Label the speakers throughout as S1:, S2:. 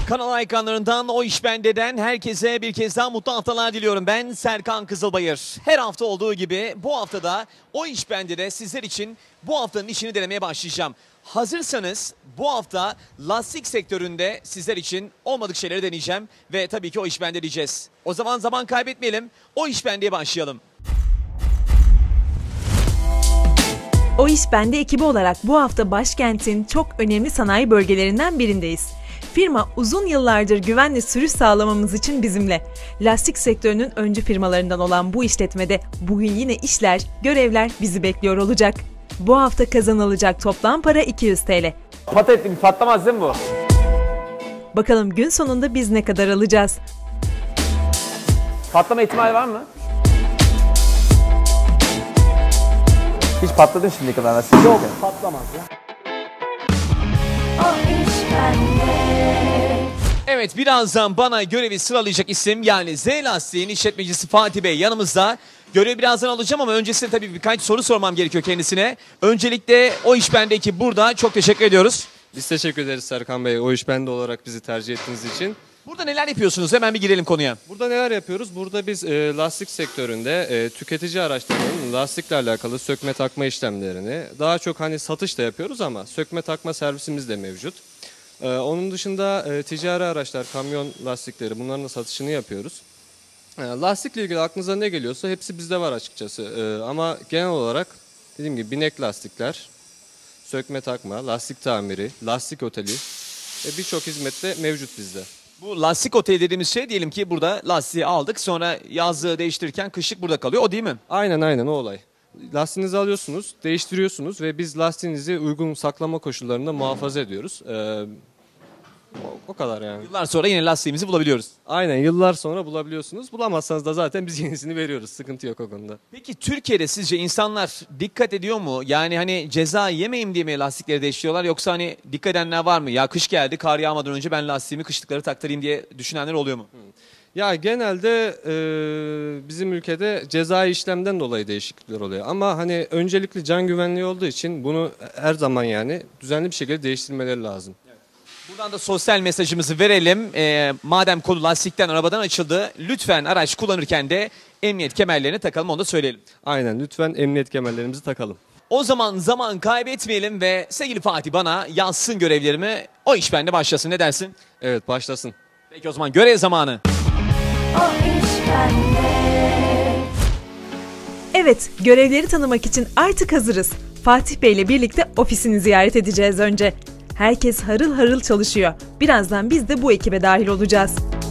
S1: Kanal ekranlarından O İş Bende'den herkese bir kez daha mutlu haftalar diliyorum. Ben Serkan Kızılbayır. Her hafta olduğu gibi bu haftada O İş Bende'de sizler için bu haftanın işini denemeye başlayacağım. Hazırsanız bu hafta lastik sektöründe sizler için olmadık şeyleri deneyeceğim ve tabii ki O İş Bende diyeceğiz. O zaman kaybetmeyelim, O İş Bende'ye başlayalım.
S2: O İş Bende ekibi olarak bu hafta başkentin çok önemli sanayi bölgelerinden birindeyiz. Firma uzun yıllardır güvenli sürüş sağlamamız için bizimle. Lastik sektörünün öncü firmalarından olan bu işletmede bugün yine işler, görevler bizi bekliyor olacak. Bu hafta kazanılacak toplam para 200 TL.
S1: Patatesli patlamaz değil mi bu?
S2: Bakalım gün sonunda biz ne kadar alacağız?
S1: Patlama ihtimali var mı? Hiç patladın şimdiye kadar lastik? Yok, patlamaz ya. Evet, birazdan bana görevi sıralayacak isim yani Z Lastik'in işletmecisi Fatih Bey yanımızda. Görevi birazdan alacağım ama öncesinde tabii birkaç soru sormam gerekiyor kendisine. Öncelikle O İş Bende ekibi burada. Çok teşekkür ediyoruz.
S3: Biz teşekkür ederiz Serkan Bey. O İş Bende olarak bizi tercih ettiğiniz için.
S1: Burada neler yapıyorsunuz? Hemen bir girelim konuya.
S3: Burada neler yapıyoruz? Burada biz lastik sektöründe tüketici araçlarının lastikle alakalı sökme takma işlemlerini daha çok hani satış da yapıyoruz ama sökme takma servisimiz de mevcut. Onun dışında ticari araçlar, kamyon lastikleri bunların da satışını yapıyoruz. Lastikle ilgili aklınıza ne geliyorsa hepsi bizde var açıkçası. Ama genel olarak dediğim gibi binek lastikler, sökme takma, lastik tamiri, lastik oteli birçok hizmette mevcut bizde.
S1: Bu lastik oteli dediğimiz şey diyelim ki burada lastiği aldık sonra yazlığı değiştirirken kışlık burada kalıyor, o değil mi?
S3: Aynen o olay. Lastiğinizi alıyorsunuz, değiştiriyorsunuz ve biz lastiğinizi uygun saklama koşullarında muhafaza ediyoruz. O kadar yani.
S1: Yıllar sonra yine lastiğimizi bulabiliyoruz.
S3: Aynen, yıllar sonra bulabiliyorsunuz. Bulamazsanız da zaten biz yenisini veriyoruz. Sıkıntı yok o konuda.
S1: Peki Türkiye'de sizce insanlar dikkat ediyor mu? Yani hani ceza yemeyeyim diye mi lastikleri değiştiriyorlar yoksa hani dikkat edenler var mı? Ya kış geldi, kar yağmadan önce ben lastiğimi kışlıkları taktırayım diye düşünenler oluyor mu?
S3: Ya genelde bizim ülkede cezai işlemden dolayı değişiklikler oluyor. Ama hani öncelikli can güvenliği olduğu için bunu her zaman yani düzenli bir şekilde değiştirmeleri lazım.
S1: Buradan da sosyal mesajımızı verelim. Madem konu lastikten, arabadan açıldı, lütfen araç kullanırken de emniyet kemerlerini takalım, onu da söyleyelim.
S3: Aynen, lütfen emniyet kemerlerimizi takalım.
S1: O zaman kaybetmeyelim ve sevgili Fatih bana yazsın görevlerimi, O İş Bende başlasın, ne dersin?
S3: Evet, başlasın.
S1: Peki o zaman görev zamanı.
S2: O iş bende. Evet, görevleri tanımak için artık hazırız. Fatih Bey ile birlikte ofisini ziyaret edeceğiz önce. Herkes harıl harıl çalışıyor. Birazdan biz de bu ekibe dahil olacağız.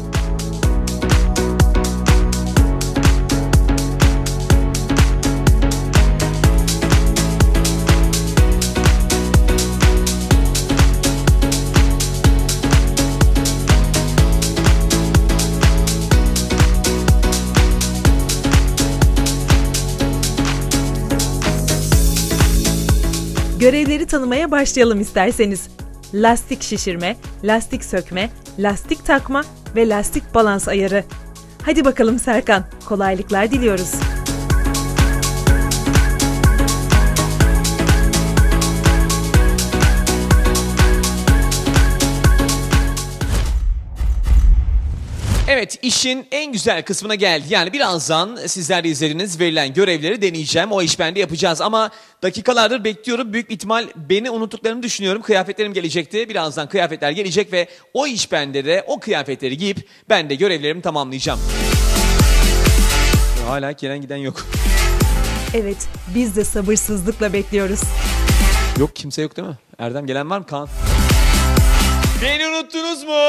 S2: Görevleri tanımaya başlayalım isterseniz. Lastik şişirme, lastik sökme, lastik takma ve lastik balans ayarı. Hadi bakalım Serkan, kolaylıklar diliyoruz.
S1: Evet, işin en güzel kısmına geldi. Yani birazdan sizler de izlediğiniz verilen görevleri deneyeceğim. O iş bende yapacağız ama dakikalardır bekliyorum. Büyük ihtimal beni unuttuklarını düşünüyorum. Kıyafetlerim gelecekti. Birazdan kıyafetler gelecek ve o iş bende de o kıyafetleri giyip ben de görevlerimi tamamlayacağım. Hala gelen giden yok.
S2: Evet, biz de sabırsızlıkla bekliyoruz.
S1: Yok, kimse yok değil mi? Erdem, gelen var mı? Kaan? Beni unuttunuz mu?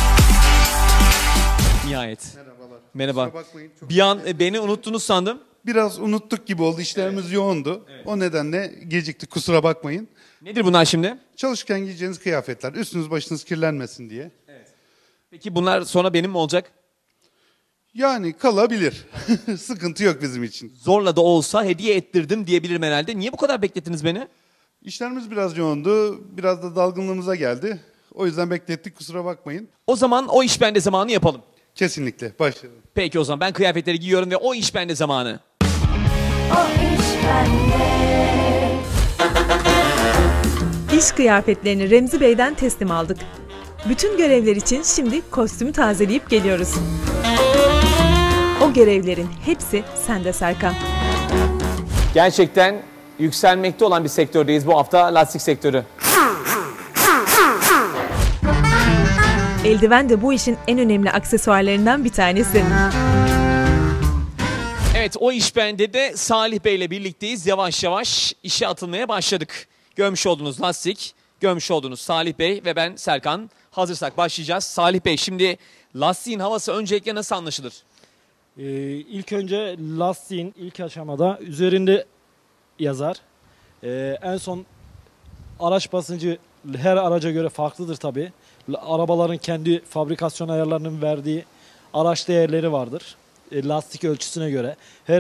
S1: Nihayet.
S4: Merhabalar.
S1: Merhaba.
S4: Kusura bakmayın, çok
S1: Bir an beni unuttunuz sandım.
S4: biraz unuttuk gibi oldu. İşlerimiz yoğundu. Evet. O nedenle geciktik. Kusura bakmayın.
S1: Nedir bunlar şimdi?
S4: Çalışırken giyeceğiniz kıyafetler. Üstünüz başınız kirlenmesin diye.
S1: Peki bunlar sonra benim mi olacak?
S4: Yani kalabilir. Sıkıntı yok bizim için.
S1: Zorla da olsa hediye ettirdim diyebilirim herhalde. Niye bu kadar beklettiniz beni?
S4: İşlerimiz biraz yoğundu. Biraz da dalgınlığımıza geldi. O yüzden beklettik. Kusura bakmayın.
S1: O zaman o iş bende zamanı yapalım.
S4: Kesinlikle. Başlayalım.
S1: Peki o zaman ben kıyafetleri giyiyorum ve o iş bende zamanı.
S2: O iş bende. İş kıyafetlerini Remzi Bey'den teslim aldık. Bütün görevler için şimdi kostümü tazeleyip geliyoruz. O görevlerin hepsi sende Serkan.
S1: Gerçekten yükselmekte olan bir sektördeyiz bu hafta, lastik sektörü.
S2: Eldiven de bu işin en önemli aksesuarlarından bir tanesi.
S1: Evet, o iş bende de Salih Bey ile birlikteyiz. Yavaş yavaş işe atılmaya başladık. Görmüş olduğunuz lastik, görmüş olduğunuz Salih Bey ve ben Serkan. Hazırsak başlayacağız. Salih Bey, şimdi lastiğin havası öncelikle nasıl anlaşılır?
S5: İlk önce lastiğin ilk aşamada üzerinde yazar. En son araç basıncı her araca göre farklıdır tabii. Arabaların kendi fabrikasyon ayarlarının verdiği araç değerleri vardır. Lastik ölçüsüne göre.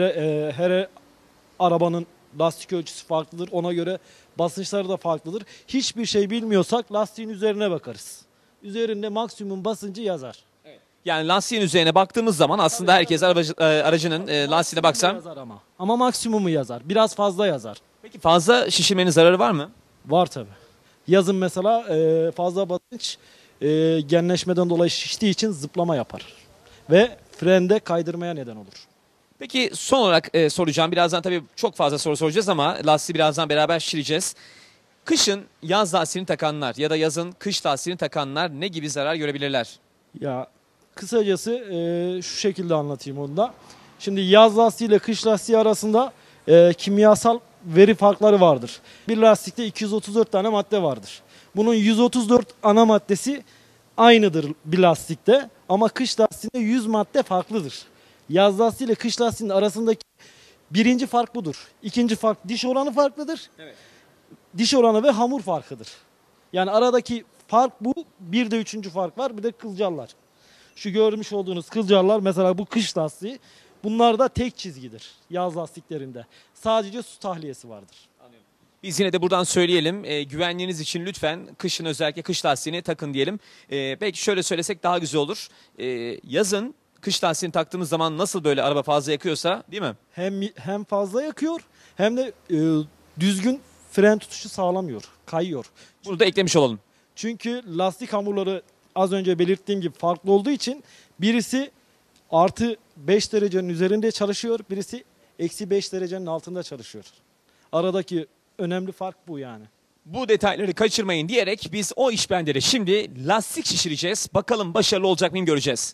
S5: Her arabanın lastik ölçüsü farklıdır. Ona göre basınçları da farklıdır. Hiçbir şey bilmiyorsak lastiğin üzerine bakarız. Üzerinde maksimum basıncı yazar.
S1: Yani lastiğin üzerine baktığımız zaman aslında herkes aracının lastiğine baksam.
S5: Yazar ama maksimumu yazar. Biraz fazla yazar.
S1: Peki fazla şişirmenin zararı var mı?
S5: Var tabii. Yazın mesela fazla basınç genleşmeden dolayı şiştiği için zıplama yapar. Ve frende kaydırmaya neden olur.
S1: Peki son olarak soracağım. Birazdan tabii çok fazla soru soracağız ama lastiği birazdan beraber şişireceğiz. Kışın yaz lastiğini takanlar ya da yazın kış lastiğini takanlar ne gibi zarar görebilirler?
S5: Ya kısacası şu şekilde anlatayım onu da. Şimdi yaz lastiği ile kış lastiği arasında kimyasal veri farkları vardır. Bir lastikte 234 tane madde vardır. Bunun 134 ana maddesi aynıdır bir lastikte ama kış lastiğinde 100 madde farklıdır. Yaz lastiği ile kış lastiğinin arasındaki birinci fark budur. İkinci fark diş oranı farklıdır.
S1: Evet.
S5: Diş oranı ve hamur farkıdır. Yani aradaki fark bu. Bir de üçüncü fark var. Bir de kılcallar. Şu görmüş olduğunuz kılcallar mesela bu kış lastiği. Bunlar da tek çizgidir yaz lastiklerinde. Sadece su tahliyesi vardır.
S1: Biz yine de buradan söyleyelim. Güvenliğiniz için lütfen kışın özellikle kış lastiğini takın diyelim. Belki şöyle söylesek daha güzel olur. Yazın kış lastiğini taktığımız zaman nasıl böyle araba fazla yakıyorsa, değil mi?
S5: Hem fazla yakıyor hem de düzgün fren tutuşu sağlamıyor. Kayıyor.
S1: Bunu da eklemiş olalım.
S5: Çünkü lastik hamurları az önce belirttiğim gibi farklı olduğu için birisi artı 5 derecenin üzerinde çalışıyor. Birisi eksi 5 derecenin altında çalışıyor. Aradaki önemli fark bu yani.
S1: Bu detayları kaçırmayın diyerek biz o iş bende şimdi lastik şişireceğiz. Bakalım başarılı olacak mıyım göreceğiz.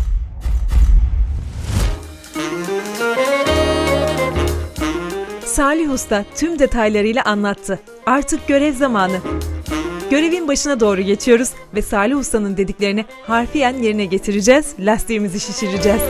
S2: Salih Usta tüm detaylarıyla anlattı. Artık görev zamanı. Görevin başına doğru geçiyoruz ve Salih Usta'nın dediklerini harfiyen yerine getireceğiz, lastiğimizi şişireceğiz.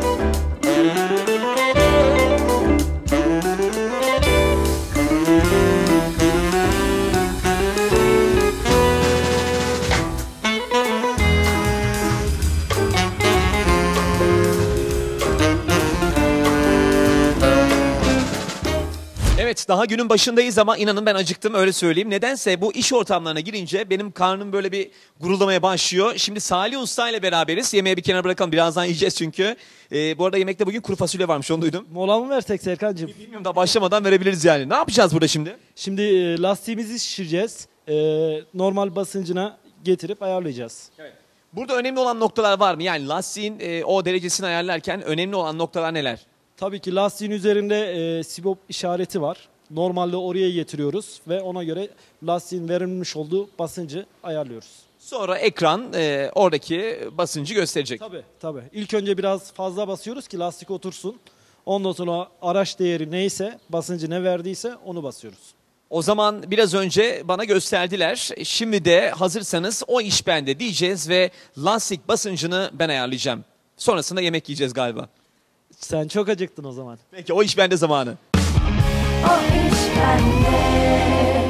S1: Evet, daha günün başındayız ama inanın ben acıktım, öyle söyleyeyim. Nedense bu iş ortamlarına girince benim karnım böyle bir guruldamaya başlıyor. Şimdi Salih Usta ile beraberiz. Yemeği bir kenara bırakalım, birazdan yiyeceğiz çünkü. Bu arada yemekte bugün kuru fasulye varmış, onu duydum.
S5: Mola mı versek Serkan'cığım?
S1: Bilmiyorum, daha başlamadan verebiliriz yani. Ne yapacağız burada şimdi?
S5: Şimdi lastiğimizi şişireceğiz. Normal basıncına getirip ayarlayacağız.
S1: Evet. Burada önemli olan noktalar var mı? Yani lastiğin o derecesini ayarlarken önemli olan noktalar neler?
S5: Tabii ki lastiğin üzerinde sibop işareti var. Normalde oraya getiriyoruz ve ona göre lastiğin verilmiş olduğu basıncı ayarlıyoruz.
S1: Sonra ekran oradaki basıncı gösterecek.
S5: Tabii. İlk önce biraz fazla basıyoruz ki lastik otursun. Ondan sonra araç değeri neyse, basıncı ne verdiyse onu basıyoruz.
S1: O zaman biraz önce bana gösterdiler. Şimdi de hazırsanız o iş bende diyeceğiz ve lastik basıncını ben ayarlayacağım. Sonrasında yemek yiyeceğiz galiba.
S5: Sen çok acıktın o zaman.
S1: Peki, o iş bende zamanı.
S6: O iş bende.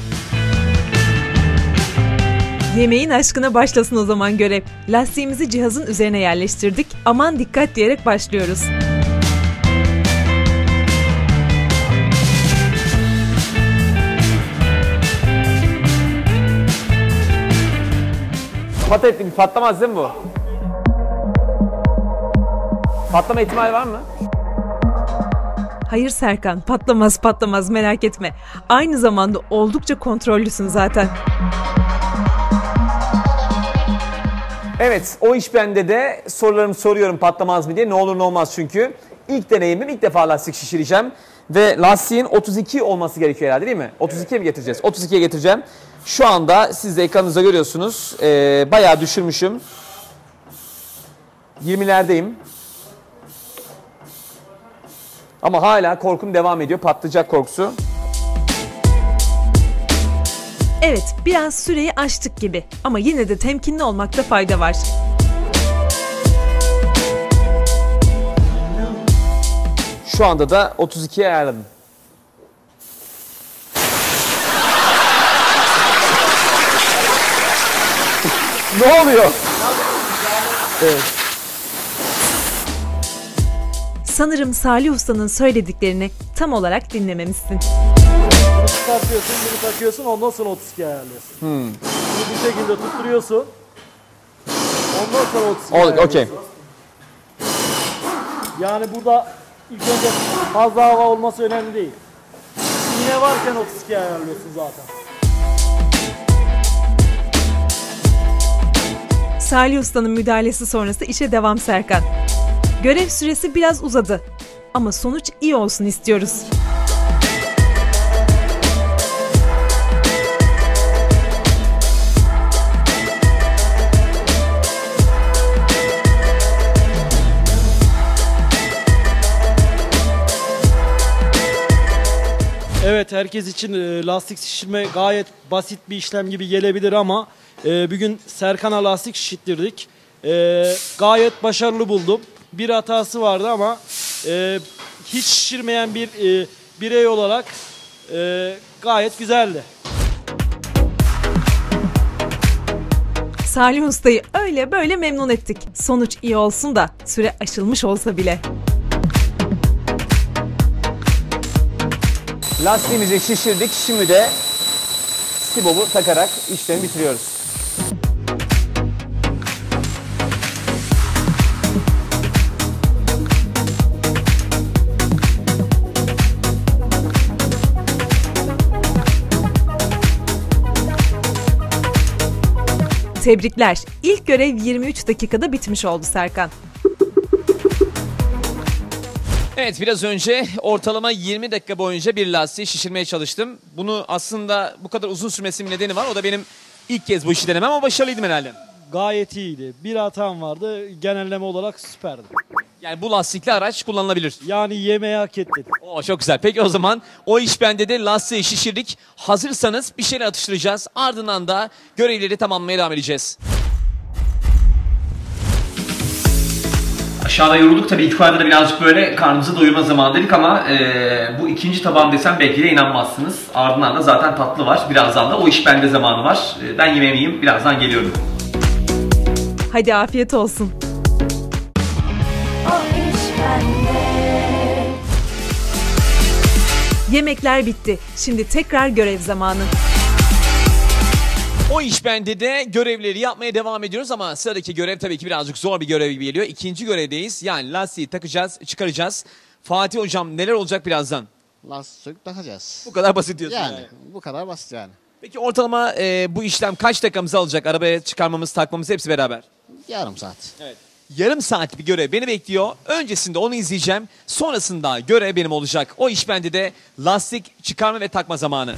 S2: Yemeğin aşkına başlasın o zaman görev. Lastiğimizi cihazın üzerine yerleştirdik. Aman dikkat diyerek başlıyoruz.
S1: Patlamaz değil mi bu? Patlama ihtimali var mı?
S2: Hayır Serkan, patlamaz merak etme. Aynı zamanda oldukça kontrollüsün zaten.
S1: Evet, o iş bende de sorularımı soruyorum patlamaz mı diye. Ne olur ne olmaz çünkü. İlk deneyimim, ilk defa lastik şişireceğim. Ve lastiğin 32 olması gerekiyor herhalde değil mi? 32'ye mi getireceğiz? 32'ye getireceğim. Şu anda siz de ekranınızda görüyorsunuz. Bayağı düşürmüşüm. 20'lerdeyim. Ama hala korkum devam ediyor. Patlayacak korkusu.
S2: Evet, biraz süreyi aştık gibi ama yine de temkinli olmakta fayda var.
S1: Şu anda da 32'ye ayarladım. Ne oluyor? Evet.
S2: Sanırım Salih Usta'nın söylediklerini tam olarak dinlememişsin.
S5: Bunu çıkartıyorsun, bunu takıyorsun, ondan sonra 32 ayarlıyorsun. Bunu bu şekilde tutturuyorsun. Ondan sonra 32 ayarlıyorsun.
S1: Okey.
S5: Yani burada ilk önce fazla hava olması önemli değil. İğne varken 32 ayarlıyorsun zaten.
S2: Salih Usta'nın müdahalesi sonrası işe devam Serkan. Görev süresi biraz uzadı ama sonuç iyi olsun istiyoruz.
S5: Evet, herkes için lastik şişirme gayet basit bir işlem gibi gelebilir ama bugün Serkan'a lastik şişirttirdik. Gayet başarılı buldum. Bir hatası vardı ama hiç şişirmeyen bir birey olarak gayet güzeldi.
S2: Salih Usta'yı öyle böyle memnun ettik. Sonuç iyi olsun da süre aşılmış olsa bile.
S1: Lastiğimizi şişirdik. Şimdi de Stibo'bu takarak işlemi bitiriyoruz.
S2: Tebrikler. İlk görev 23 dakikada bitmiş oldu Serkan.
S1: Evet, biraz önce ortalama 20 dakika boyunca bir lastiği şişirmeye çalıştım. Bunu aslında bu kadar uzun sürmesinin nedeni var. O da benim ilk kez bu işi denemem ama başarılıydım herhalde.
S5: Gayet iyiydi. Bir hatam vardı. Genelleme olarak süperdi.
S1: Yani bu lastikli araç kullanılabilir.
S5: Yani yemeği hak ettin.
S1: Oo, çok güzel. Peki o zaman o iş bende de lastiği şişirdik. Hazırsanız bir şeyler atıştıracağız. Ardından da görevleri tamamlamaya devam edeceğiz. Aşağıda yorulduk tabii, itfaiyede de birazcık böyle karnımızı doyurma zamanı dedik ama bu ikinci tabağım desem belki de inanmazsınız. Ardından da zaten tatlı var. Birazdan da o iş bende zamanı var. Ben yemeğimi yiyeyim, birazdan geliyorum.
S2: Hadi afiyet olsun.
S6: O iş bende.
S2: Yemekler bitti. Şimdi tekrar görev zamanı.
S1: O iş bende de görevleri yapmaya devam ediyoruz ama sıradaki görev tabii ki birazcık zor bir görev gibi geliyor. İkinci görevdeyiz. Yani lastiği takacağız, çıkaracağız. Fatih hocam, neler olacak birazdan?
S7: Lastik takacağız.
S1: Bu kadar basit diyorsun yani.
S7: Yani bu kadar basit yani.
S1: Peki ortalama bu işlem kaç dakikamızı alacak? Arabaya çıkarmamız, takmamız hepsi beraber.
S7: Yarım saat.
S1: Evet. Yarım saat bir görev beni bekliyor. Öncesinde onu izleyeceğim. Sonrasında görev benim olacak. O iş bende de lastik çıkarma ve takma zamanı.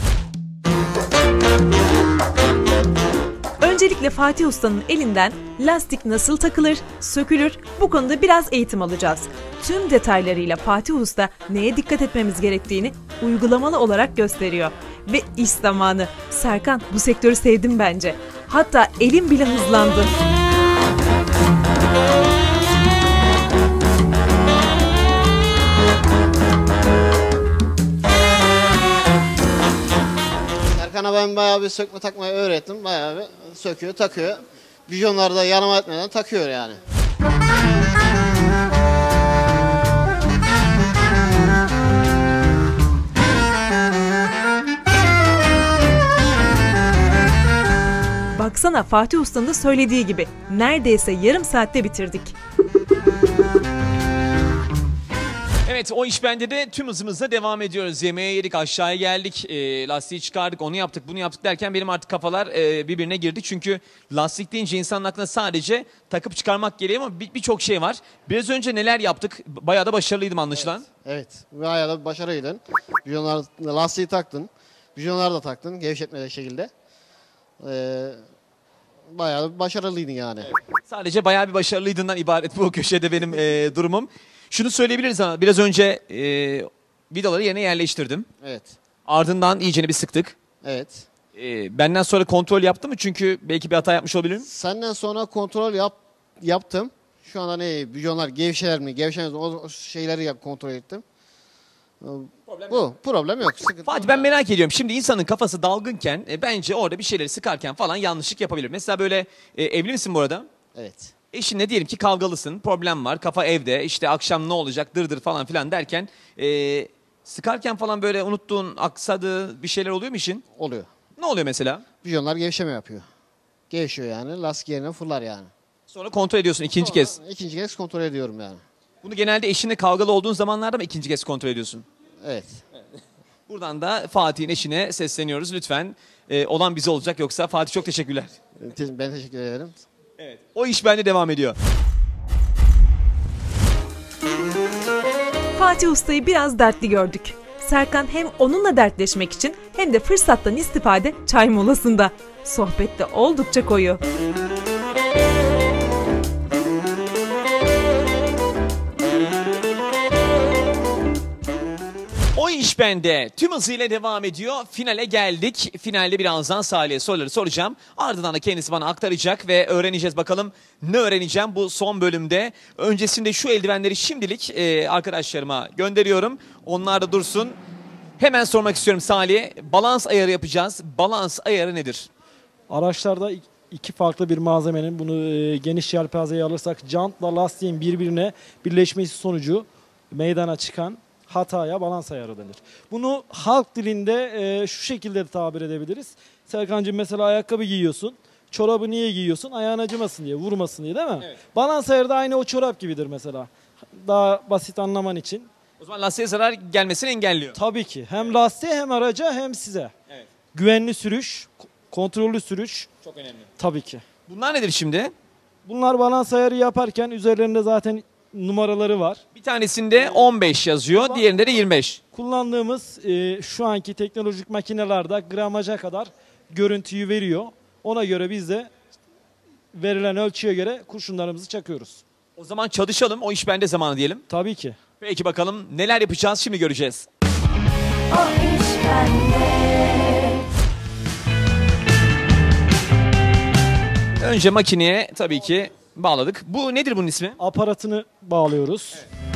S2: Öncelikle Fatih Usta'nın elinden lastik nasıl takılır, sökülür, bu konuda biraz eğitim alacağız. Tüm detaylarıyla Fatih Usta neye dikkat etmemiz gerektiğini uygulamalı olarak gösteriyor. Ve iş zamanı. Serkan, bu sektörü sevdim bence. Hatta elim bile hızlandı.
S7: Serkan'a ben bayağı bir sökme takmayı öğrettim. Bayağı bir söküyor, takıyor. Vizyonları da yanıma etmeden takıyor yani.
S2: Baksana, Fatih Usta'nın da söylediği gibi neredeyse yarım saatte bitirdik.
S1: Evet, o iş bende de tüm hızımızla devam ediyoruz. Yemeğe yedik, aşağıya geldik, lastiği çıkardık, onu yaptık, bunu yaptık derken benim artık kafalar birbirine girdi. Çünkü lastik deyince insanın aklına sadece takıp çıkarmak geliyor ama birçok şey var. Biraz önce neler yaptık? Bayağı da başarılıydım anlaşılan.
S7: Evet. Bayağı da başarılıydın. Bijonlar, lastiği taktın. Bijonlar da taktın gevşetmeli şekilde. Bayağı da başarılıydın yani.
S1: Sadece bayağı bir başarılıydığından ibaret bu köşede benim durumum. Şunu söyleyebiliriz ama biraz önce vidaları yerine yerleştirdim.
S7: Evet.
S1: Ardından iyicene bir sıktık.
S7: Evet.
S1: Benden sonra kontrol yaptı mı? Çünkü belki bir hata yapmış olabilirim.
S7: Senden sonra kontrol yaptım. Şu anda ne bijonlar gevşer mi gevşemez mi o şeyleri kontrol ettim. Problem yok. Sıkıntı
S1: Fatih
S7: yok.
S1: ben merak ediyorum. Şimdi insanın kafası dalgınken bence orada bir şeyleri sıkarken falan yanlışlık yapabilir. Mesela böyle evli misin bu arada?
S7: Evet.
S1: Eşinle diyelim ki kavgalısın, problem var, kafa evde, işte akşam ne olacak, dırdır falan filan derken sıkarken falan böyle unuttuğun, aksadığı bir şeyler oluyor mu işin?
S7: Oluyor.
S1: Ne oluyor mesela?
S7: Bijonlar gevşeme yapıyor. Gevşiyor yani. Lastik yerine fırlar yani.
S1: Sonra kontrol ediyorsun ikinci kez.
S7: İkinci kez kontrol ediyorum yani.
S1: Bunu genelde eşinle kavgalı olduğun zamanlarda mı ikinci kez kontrol ediyorsun?
S7: Evet.
S1: Buradan da Fatih'in eşine sesleniyoruz. Lütfen olan bize olacak yoksa Fatih çok teşekkürler.
S7: Ben teşekkür ederim.
S1: Evet. O iş bende devam ediyor.
S2: Fatih Usta'yı biraz dertli gördük. Serkan hem onunla dertleşmek için hem de fırsattan istifade çay molasında. Sohbette oldukça koyu.
S1: O iş bende tüm hızıyla devam ediyor. Finale geldik. Finalde birazdan Salih'e soruları soracağım. Ardından da kendisi bana aktaracak ve öğreneceğiz bakalım ne öğreneceğim bu son bölümde. Öncesinde şu eldivenleri şimdilik arkadaşlarıma gönderiyorum. Onlar da dursun. Hemen sormak istiyorum Salih'e. Balans ayarı yapacağız. Balans ayarı nedir?
S5: Araçlarda iki farklı bir malzemenin bunu geniş yelpazeye alırsak jantla lastiğin birbirine birleşmesi sonucu meydana çıkan hataya balans ayarı denir. Bunu halk dilinde şu şekilde de tabir edebiliriz. Serkancığım mesela ayakkabı giyiyorsun. Çorabı niye giyiyorsun? Ayağın acımasın diye, vurmasın diye değil mi?
S1: Evet.
S5: Balans ayarı da aynı o çorap gibidir mesela. Daha basit anlaman için.
S1: O zaman lastiğe zarar gelmesini engelliyor.
S5: Tabii ki. Hem lastiğe hem araca hem size.
S1: Evet.
S5: Güvenli sürüş, kontrollü sürüş
S1: Çok önemli.
S5: tabii ki.
S1: Bunlar nedir şimdi?
S5: Bunlar balans ayarı yaparken üzerlerinde zaten numaraları var.
S1: Bir tanesinde 15 yazıyor, diğerinde de 25.
S5: Kullandığımız şu anki teknolojik makinelerde gramaja kadar görüntüyü veriyor. Ona göre biz de verilen ölçüye göre kurşunlarımızı çakıyoruz.
S1: O zaman çalışalım, o iş bende zamanı diyelim.
S5: Tabii ki.
S1: Peki bakalım neler yapacağız şimdi göreceğiz.
S6: O iş bende.
S1: Önce makineye tabii ki bağladık. Bu nedir bunun ismi?
S5: Aparatını bağlıyoruz.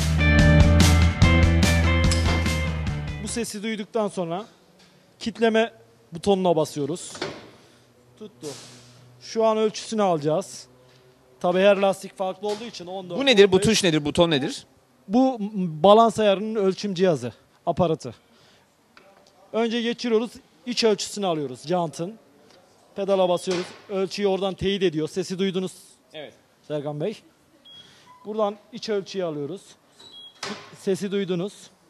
S5: Bu sesi duyduktan sonra kitleme butonuna basıyoruz. Tuttu. Şu an ölçüsünü alacağız. Tabii her lastik farklı olduğu için 14.
S1: Bu nedir? Bu
S5: 15.
S1: tuş nedir? Buton nedir?
S5: Bu balans ayarının ölçüm cihazı, aparatı. Önce geçiriyoruz, iç ölçüsünü alıyoruz jantın. Pedala basıyoruz, ölçüyü oradan teyit ediyor. Sesi duydunuz
S1: Evet.
S5: Serkan Bey. Buradan iç ölçüyü alıyoruz. Sesi duydunuz.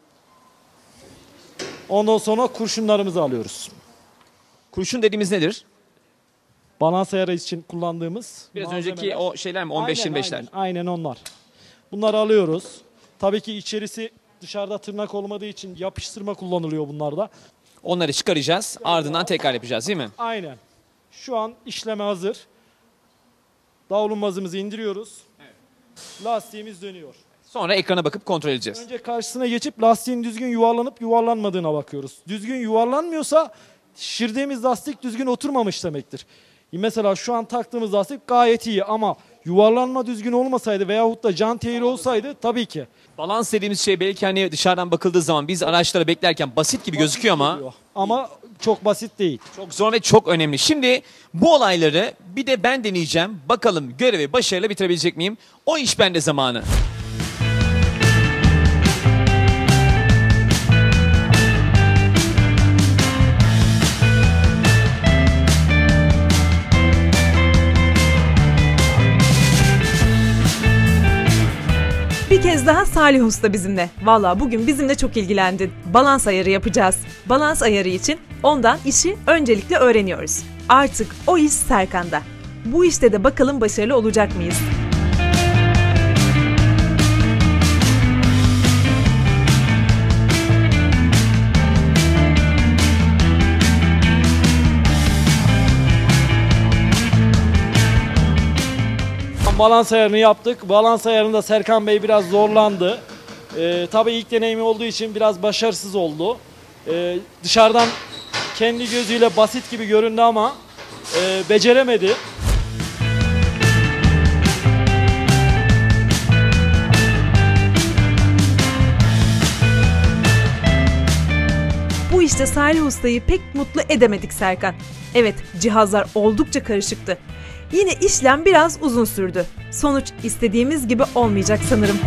S5: Ondan sonra kurşunlarımızı alıyoruz.
S1: Kurşun dediğimiz nedir?
S5: Balans ayarı için kullandığımız
S1: Biraz
S5: malzemeler.
S1: önceki o şeyler mi? 15-25'ler.
S5: Aynen onlar. Bunları alıyoruz. Tabii ki içerisi dışarıda tırnak olmadığı için yapıştırma kullanılıyor bunlarda.
S1: Onları çıkaracağız. Ardından tekrar yapacağız değil mi?
S5: Aynen. Şu an işleme hazır. Davlumbazımızı indiriyoruz. Lastiğimiz dönüyor.
S1: Sonra ekrana bakıp kontrol edeceğiz.
S5: Önce karşısına geçip lastiğin düzgün yuvarlanıp yuvarlanmadığına bakıyoruz. Düzgün yuvarlanmıyorsa şişirdiğimiz lastik düzgün oturmamış demektir. Mesela şu an taktığımız lastik gayet iyi ama yuvarlanma düzgün olmasaydı veyahut da jant eğri olsaydı tabii ki.
S1: Balans dediğimiz şey belki hani dışarıdan bakıldığı zaman biz araçlara beklerken basit gibi gözüküyor ama
S5: Ama çok basit değil.
S1: çok zor ve çok önemli. Şimdi bu olayları bir de ben deneyeceğim. Bakalım görevi başarıyla bitirebilecek miyim? O iş bende zamanı.
S2: Bir kez kez daha Salih Usta bizimle. Valla bugün bizimle çok ilgilendin. Balans ayarı yapacağız. Balans ayarı için ondan işi öncelikle öğreniyoruz. Artık o iş Serkan'da. Bu işte de bakalım başarılı olacak mıyız?
S5: Balans ayarını yaptık. Balans ayarında Serkan Bey biraz zorlandı. Tabii ilk deneyimi olduğu için biraz başarısız oldu. Dışarıdan kendi gözüyle basit gibi göründü ama beceremedi.
S2: Bu işte Salih Usta'yı pek mutlu edemedik Serkan. Evet, cihazlar oldukça karışıktı. Yine işlem biraz uzun sürdü. Sonuç istediğimiz gibi olmayacak sanırım.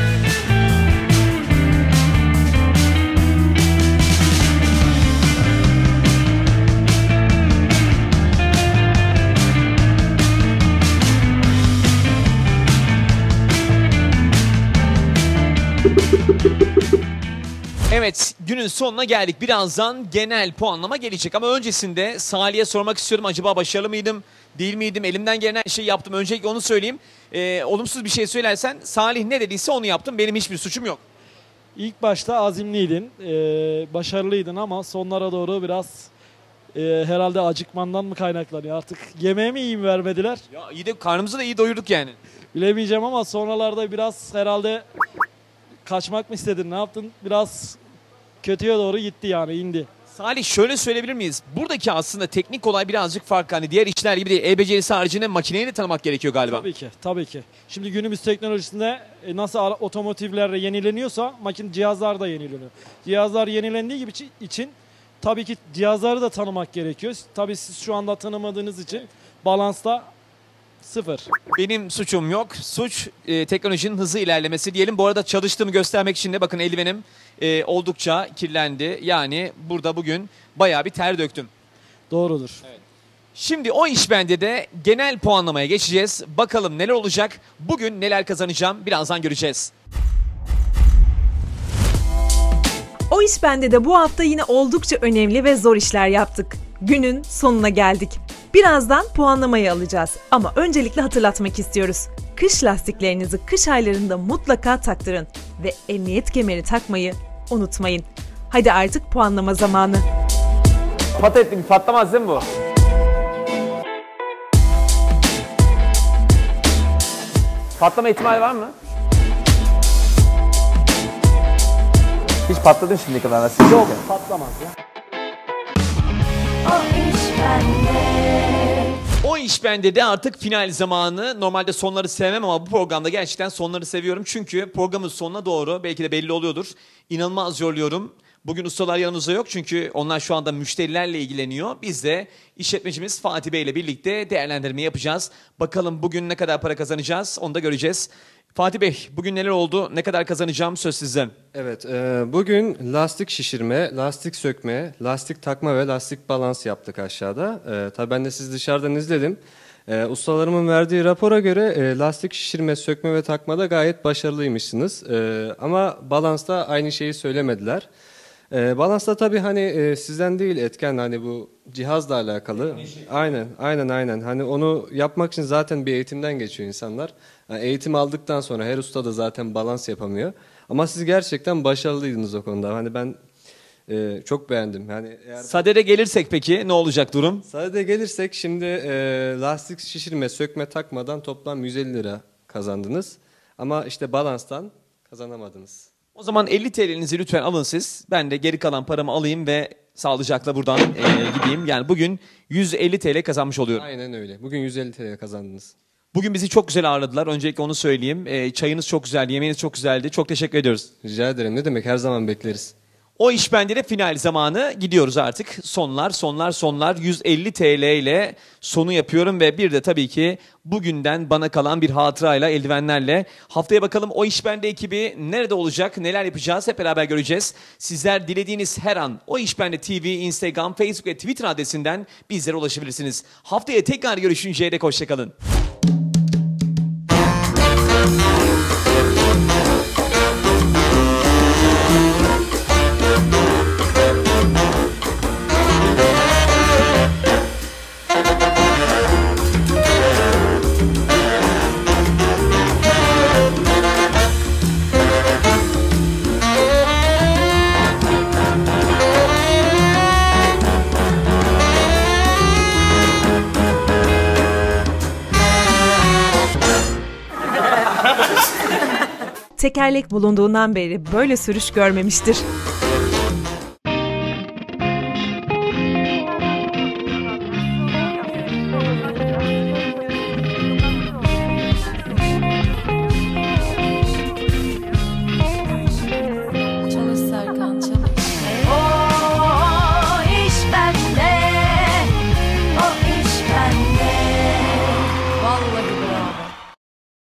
S1: Evet, günün sonuna geldik. Birazdan genel puanlama gelecek ama öncesinde Salih'e sormak istiyorum. Acaba başarılı mıydım, değil miydim? Elimden gelen her şeyi yaptım. Öncelikle onu söyleyeyim. Olumsuz bir şey söylersen Salih ne dediyse onu yaptım. Benim hiçbir suçum yok.
S5: İlk başta azimliydin, başarılıydın ama sonlara doğru biraz herhalde acıkmandan mı kaynaklanıyor? Artık yemeğe mi iyi mi vermediler?
S1: Ya iyi de karnımızı da iyi doyurduk yani.
S5: Bilemeyeceğim ama sonralarda biraz herhalde kaçmak mı istedin, ne yaptın? Biraz kötüye doğru gitti yani, indi.
S1: Salih şöyle söyleyebilir miyiz? Buradaki aslında teknik olay birazcık farklı. Hani diğer işler gibi değil. El becerisi haricinde makineyi de tanımak gerekiyor galiba.
S5: Tabii ki, tabii ki. Şimdi günümüz teknolojisinde nasıl otomotivlerle yenileniyorsa cihazlar da yenileniyor. Cihazlar yenilendiği gibi için tabii ki cihazları da tanımak gerekiyor. Tabii siz şu anda tanımadığınız için balansta sıfır.
S1: Benim suçum yok. Suç teknolojinin hızlı ilerlemesi diyelim. Bu arada çalıştığımı göstermek için de bakın eldivenim oldukça kirlendi. Yani burada bugün bayağı bir ter döktüm.
S5: Doğrudur.
S1: Şimdi o iş bende de genel puanlamaya geçeceğiz. Bakalım neler olacak? Bugün neler kazanacağım? Birazdan göreceğiz.
S2: O iş bende de bu hafta yine oldukça önemli ve zor işler yaptık. Günün sonuna geldik. Birazdan puanlamayı alacağız ama öncelikle hatırlatmak istiyoruz. Kış lastiklerinizi kış aylarında mutlaka taktırın ve emniyet kemeri takmayı unutmayın. Hadi artık puanlama zamanı.
S1: Patlamaz değil mi bu? Patlama ihtimali var mı? Hiç patladın şimdiye kadar nasıl?
S5: Yok, patlamaz ya.
S6: O iş bende.
S1: O iş bende de artık final zamanı. Normalde sonları sevmem ama bu programda gerçekten sonları seviyorum. Çünkü programın sonuna doğru belki de belli oluyordur. İnanılmaz zorluyorum. Bugün ustalar yanımızda yok çünkü onlar şu anda müşterilerle ilgileniyor. Biz de işletmecimiz Fatih Bey ile birlikte değerlendirme yapacağız. Bakalım bugün ne kadar para kazanacağız onu da göreceğiz. Fatih Bey bugün neler oldu, ne kadar kazanacağım söz sizden.
S3: Evet, bugün lastik şişirme, lastik sökme, lastik takma ve lastik balans yaptık aşağıda. Tabii ben de sizi dışarıdan izledim. Ustalarımın verdiği rapora göre lastik şişirme, sökme ve takmada gayet başarılıymışsınız. Ama balansta aynı şeyi söylemediler. Balansta tabii hani sizden değil etken hani bu cihazla alakalı. Aynen. Hani onu yapmak için zaten bir eğitimden geçiyor insanlar. Yani eğitim aldıktan sonra her usta da zaten balans yapamıyor. Ama siz gerçekten başarılıydınız o konuda. Hani ben çok beğendim. Yani eğer
S1: Sadede gelirsek peki ne olacak durum?
S3: sadede gelirsek şimdi lastik şişirme, sökme, takmadan toplam 150 lira kazandınız. Ama işte balanstan kazanamadınız.
S1: O zaman 50 TL'nizi lütfen alın siz. Ben de geri kalan paramı alayım ve sağlıcakla buradan gideyim. Yani bugün 150 TL kazanmış oluyorum.
S3: Aynen öyle. Bugün 150 TL kazandınız.
S1: Bugün bizi çok güzel ağırladılar. Öncelikle onu söyleyeyim. Çayınız çok güzeldi, yemeğiniz çok güzeldi. Çok teşekkür ediyoruz.
S3: Rica ederim. Ne demek? Her zaman bekleriz.
S1: O iş bende de final zamanı. Gidiyoruz artık. Sonlar. 150 TL ile sonu yapıyorum ve bir de tabii ki bugünden bana kalan bir hatırayla, eldivenlerle. Haftaya bakalım o iş bende ekibi nerede olacak, neler yapacağız hep beraber göreceğiz. Sizler dilediğiniz her an o iş bende TV, Instagram, Facebook ve Twitter adresinden bizlere ulaşabilirsiniz. Haftaya tekrar görüşünceye dek hoşçakalın.
S2: Tekerlek bulunduğundan beri böyle sürüş görmemiştir.